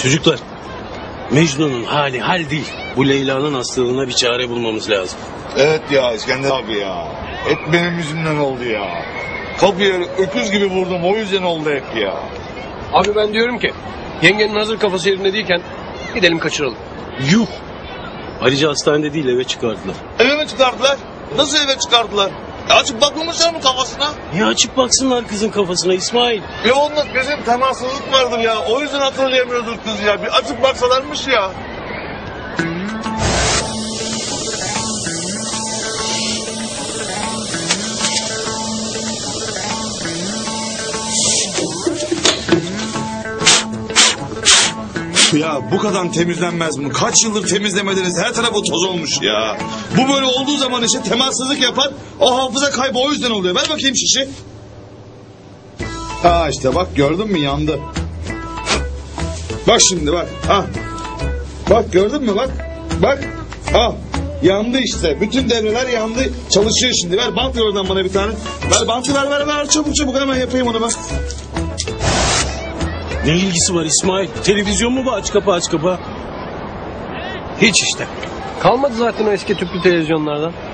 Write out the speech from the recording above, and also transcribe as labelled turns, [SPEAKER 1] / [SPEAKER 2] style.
[SPEAKER 1] Çocuklar, Mecnun'un hali hal değil. Bu Leyla'nın hastalığına bir çare bulmamız lazım.
[SPEAKER 2] Evet ya İskender abi ya. Hep benim yüzümden oldu ya. Kapıya öküz gibi vurdum, o yüzden oldu hep ya.
[SPEAKER 3] Abi ben diyorum ki yengenin hazır kafası yerinde değilken gidelim kaçıralım.
[SPEAKER 1] Yuh! Ayrıca hastanede değil, eve çıkardılar.
[SPEAKER 2] Eve mi çıkardılar? Nasıl eve çıkardılar? Açıp bakmamışlar mı kafasına?
[SPEAKER 1] Niye açıp baksınlar kızın kafasına İsmail?
[SPEAKER 2] Ya onda bizim temassızlık vardır ya. O yüzden hatırlayamıyordur kız ya. Bir açıp baksalarmış ya. Ya bu kadar temizlenmez mi? Kaç yıldır temizlemediniz, her tarafı toz olmuş ya. Bu böyle olduğu zaman işte temassızlık yapar, o hafıza kaybı o yüzden oluyor. Ver bakayım şişi. Ha işte bak, gördün mü, yandı. Bak şimdi bak. Ha. Bak gördün mü, bak. Bak. Ha. Yandı işte. Bütün devreler yandı. Çalışıyor şimdi. Ver bant ver oradan bana bir tane. Ver bantı, ver. Çabuk çabuk hemen yapayım onu bak.
[SPEAKER 1] Ne ilgisi var İsmail? Televizyon mu bu? Aç kapa.
[SPEAKER 3] Hiç işte. Kalmadı zaten o eski tüplü televizyonlardan.